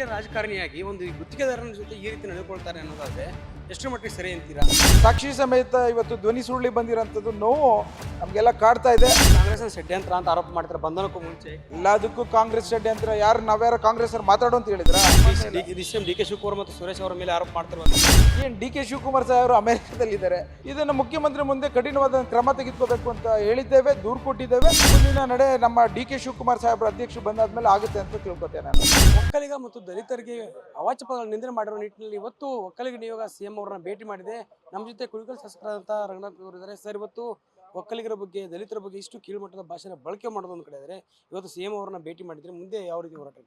ರಾಜಕಾರಣಿಯಾಗಿ ಒಂದು ಗುತ್ತಿಗೆದಾರನ ಜೊತೆ ಈ ರೀತಿ ನಡೆದುಕೊಳ್ತಾರೆ ಅನ್ನೋದಾದ್ರೆ ಎಷ್ಟು ಮಟ್ಟಿಗೆ ಸರಿ ಅಂತೀರಾ? ಸಾಕ್ಷಿ ಸಮೇತ ಇವತ್ತು ಧ್ವನಿ ಸುರುಳಿ ಬಂದಿರೋಂಥದ್ದು ನೋವು ನಮಗೆಲ್ಲ ಕಾಡ್ತಾ ಇದೆ. ಕಾಂಗ್ರೆಸ್ ಷಡ್ಯಂತ್ರ ಅಂತ ಆರೋಪ ಮಾಡ್ತಾರೆ ಬಂಧನಕ್ಕೂ ಮುಂಚೆ. ಎಲ್ಲದಕ್ಕೂ ಕಾಂಗ್ರೆಸ್ ಷಡ್ಯಂತ್ರ. ನಾವ್ಯಾರ ಕಾಂಗ್ರೆಸ್ ಅವ್ರು ಮಾತಾಡೋ ಅಂತ ಹೇಳಿದ್ರ? ಡಿ ಕೆ ಶಿವಕುಮಾರ್ ಮತ್ತು ಸುರೇಶ್ ಅವರ ಮೇಲೆ ಆರೋಪ ಮಾಡ್ತಾರೆ. ಏನ್ ಡಿ ಕೆ ಶಿವಕುಮಾರ್ ಸಾಹೇಬರು ಅಮೆರಿಕದಲ್ಲಿದ್ದಾರೆ. ಇದನ್ನು ಮುಖ್ಯಮಂತ್ರಿ ಮುಂದೆ ಕಠಿಣವಾದ ಕ್ರಮ ತೆಗೆದುಕೋಬೇಕು ಅಂತ ಹೇಳಿದ್ದೇವೆ, ದೂರು ಕೊಟ್ಟಿದ್ದೇವೆ. ಮುಂದಿನ ನಡೆ ನಮ್ಮ ಡಿ ಕೆ ಶಿವಕುಮಾರ್ ಸಾಹೇಬರ ಅಧ್ಯಕ್ಷರು ಬಂದಾದ್ಮೇಲೆ ಆಗುತ್ತೆ ಅಂತ ತಿಳ್ಕೊತೇನೆ ನಾನು. ಒಕ್ಕಲಿಗ ಮತ್ತು ದಲಿತರಿಗೆ ಅವಾಚ್ಯ ಪದಗಳ ನಿಂದನೆ ಮಾಡಿರುವ ನಿಟ್ಟಿನಲ್ಲಿ ಇವತ್ತು ಒಕ್ಕಲಿಗ ನಿಯೋಗ ಸಿಎಂ ಅವರನ್ನ ಭೇಟಿ ಮಾಡಿದೆ. ನಮ್ಮ ಜೊತೆ ಕುಣಿಗಲ್ ಶಾಸಕರಾದಂಥ ರಂಗನಾಥ್ ಅವರು ಇದ್ದಾರೆ. ಸರ್, ಇವತ್ತು ಒಕ್ಕಲಿಗರ ಬಗ್ಗೆ ದಲಿತರ ಬಗ್ಗೆ ಇಷ್ಟು ಕೀಳುಮಟ್ಟದ ಭಾಷೆನ ಬಳಕೆ ಮಾಡೋದು ಒಂದು ಕಡೆ ಇದ್ದಾರೆ. ಇವತ್ತು ಸಿಎಂ ಅವರನ್ನ ಭೇಟಿ ಮಾಡಿದ್ರೆ ಮುಂದೆ ಯಾವ ರೀತಿ ಹೋರಾಟ?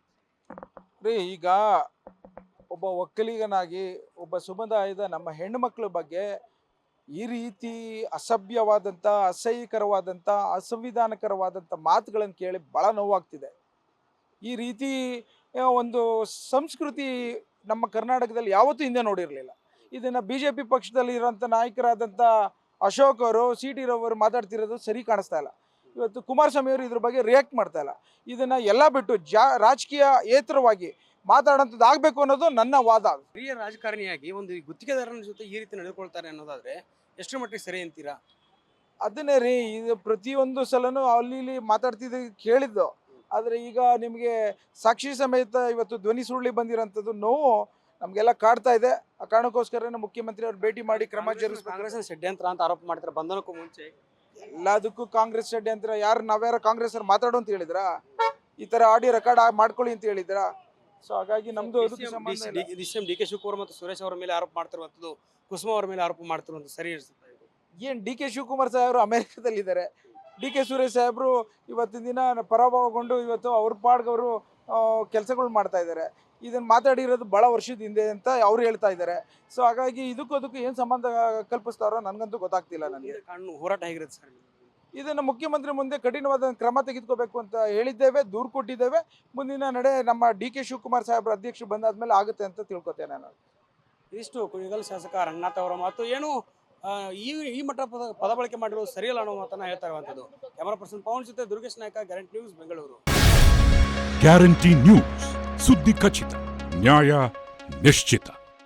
ಈಗ ಒಬ್ಬ ಒಕ್ಕಲಿಗನಾಗಿ ಒಬ್ಬ ಸಮುದಾಯದ ನಮ್ಮ ಹೆಣ್ಣು ಮಕ್ಕಳ ಬಗ್ಗೆ ಈ ರೀತಿ ಅಸಭ್ಯವಾದಂಥ, ಅಸಹ್ಯಕರವಾದಂಥ, ಅಸಂವಿಧಾನಕರವಾದಂಥ ಮಾತುಗಳನ್ನು ಕೇಳಿ ಭಾಳ ನೋವಾಗ್ತಿದೆ. ಈ ರೀತಿ ಒಂದು ಸಂಸ್ಕೃತಿ ನಮ್ಮ ಕರ್ನಾಟಕದಲ್ಲಿ ಯಾವತ್ತೂ ಹಿಂದೆ ನೋಡಿರಲಿಲ್ಲ. ಇದನ್ನು BJP ಪಕ್ಷದಲ್ಲಿ ಇರೋಂಥ ನಾಯಕರಾದಂಥ ಅಶೋಕ್ ಅವರು, CT ರವರು ಮಾತಾಡ್ತಿರೋದು ಸರಿ ಕಾಣಿಸ್ತಾ ಇಲ್ಲ. ಇವತ್ತು ಕುಮಾರಸ್ವಾಮಿ ಅವರು ಇದ್ರ ಬಗ್ಗೆ ರಿಯಾಕ್ಟ್ ಮಾಡ್ತಾ ಇಲ್ಲ. ಇದನ್ನು ಎಲ್ಲ ಬಿಟ್ಟು ರಾಜಕೀಯ ಏತರವಾಗಿ ಮಾತಾಡೋಂಥದ್ದು ಆಗಬೇಕು ಅನ್ನೋದು ನನ್ನ ವಾದ. ಹಿರಿಯ ರಾಜಕಾರಣಿಯಾಗಿ ಒಂದು ಗುತ್ತಿಗೆದಾರನ ಜೊತೆ ಈ ರೀತಿ ನಡೆದುಕೊಳ್ತಾರೆ ಅನ್ನೋದಾದ್ರೆ ಎಷ್ಟು ಮಟ್ಟಿಗೆ ಸರಿ ಅಂತೀರಾ? ಅದನ್ನೇ ರೀ, ಇದು ಪ್ರತಿಯೊಂದು ಸಲನೂ ಅಲ್ಲಿ ಮಾತಾಡ್ತಿದ್ದು ಕೇಳಿದ್ದು. ಆದರೆ ಈಗ ನಿಮಗೆ ಸಾಕ್ಷಿ ಸಮೇತ ಇವತ್ತು ಧ್ವನಿ ಸುರುಳಿ ಬಂದಿರೋಂಥದ್ದು ನೋವು ನಮಗೆಲ್ಲ ಕಾಡ್ತಾ ಇದೆ. ಆ ಕಾರಣಕ್ಕೋಸ್ಕರ ಮುಖ್ಯಮಂತ್ರಿ ಅವ್ರು ಭೇಟಿ ಮಾಡಿ ಕ್ರಮ ಜರುಗಿಸ್ಬೇಕು. ಕಾಂಗ್ರೆಸ್ ಷಡ್ಯಂತ್ರ ಅಂತ ಆರೋಪ ಮಾಡ್ತಾರೆ ಬಂಧನಕ್ಕೂ ಮುಂಚೆ. ಎಲ್ಲದಕ್ಕೂ ಕಾಂಗ್ರೆಸ್ ಷಡ್ಯಂತ್ರ. ನಾವ್ಯಾರ ಕಾಂಗ್ರೆಸ್ ಅವ್ರು ಮಾತಾಡೋ ಅಂತ ಹೇಳಿದ್ರ? ಈ ಥರ ಆಡಿಯೋ ರೆಕಾರ್ಡ್ ಮಾಡ್ಕೊಳ್ಳಿ ಅಂತ ಹೇಳಿದ್ರ? ಸೊ ಹಾಗಾಗಿ ನಮ್ದು ಡಿ ಕೆ ಶಿವಕುಮಾರ್ ಮತ್ತು ಸುರೇಶ್ ಅವರ ಮೇಲೆ ಆರೋಪ ಮಾಡ್ತಿರುವಂಥದ್ದು, ಕುಸುಮ ಅವರ ಮೇಲೆ ಆರೋಪ ಮಾಡ್ತಿರುವಂಥದ್ದು ಸರಿ ಅನಿಸುತ್ತೆ? ಏನು ಡಿ ಕೆ ಶಿವಕುಮಾರ್ ಸಾಹೇಬರು ಅಮೆರಿಕದಲ್ಲಿದ್ದಾರೆ. ಡಿ ಕೆ ಸುರೇಶ್ ಸಾಹೇಬರು ಇವತ್ತಿನ ದಿನ ಪರಾಭವಗೊಂಡು ಇವತ್ತು ಅವ್ರ ಪಾಡ್ಗವರು ಕೆಲಸಗಳು ಮಾಡ್ತಾ ಇದ್ದಾರೆ. ಇದನ್ನು ಮಾತಾಡಿರೋದು ಭಾಳ ವರ್ಷದ ಹಿಂದೆ ಅಂತ ಅವ್ರು ಹೇಳ್ತಾ ಇದ್ದಾರೆ. ಸೊ ಹಾಗಾಗಿ ಅದಕ್ಕೂ ಏನು ಸಂಬಂಧ ಕಲ್ಪಿಸ್ತಾರೋ ನನಗಂತೂ ಗೊತ್ತಾಗ್ತಿಲ್ಲ. ನನಗೆ ಹೋರಾಟ ಹೇಗಿರುತ್ತೆ ಸರ್? ಇದನ್ನು ಮುಖ್ಯಮಂತ್ರಿ ಮುಂದೆ ಕಠಿಣವಾದ ಕ್ರಮ ತೆಗೆದುಕೋಬೇಕು ಅಂತ ಹೇಳಿದ್ದೇವೆ, ದೂರು ಕೊಟ್ಟಿದ್ದೇವೆ. ಮುಂದಿನ ನಡೆ ನಮ್ಮ ಡಿ ಕೆ ಶಿವಕುಮಾರ್ ಸಾಹೇಬರ ಅಧ್ಯಕ್ಷರು ಬಂದಾದ್ಮೇಲೆ ಆಗುತ್ತೆ ಅಂತ ತಿಳ್ಕೊತೇನೆ ನಾನು. ಇಷ್ಟು ಕುಣಿಗಲ್ ಶಾಸಕ ರಂಗನಾಥ್ ಅವರ ಮಾತು. ಏನು ಈ ಮಟ್ಟ ಪದ ಬಳಕೆ ಮಾಡಿರೋದು ಸರಿಯಲ್ಲ ಅನ್ನೋ ಮಾತನ್ನ ಹೇಳ್ತಾ ಇರುವಂಥದ್ದು. ಕ್ಯಾಮರಾ ಪರ್ಸನ್ ಪವನ್ ಜೊತೆ Durgesh Nayka, guarantee news, Bengaluru. Guarantee news, ಸುದ್ದಿ ಖಚಿತ, ನ್ಯಾಯ ನಿಶ್ಚಿತ.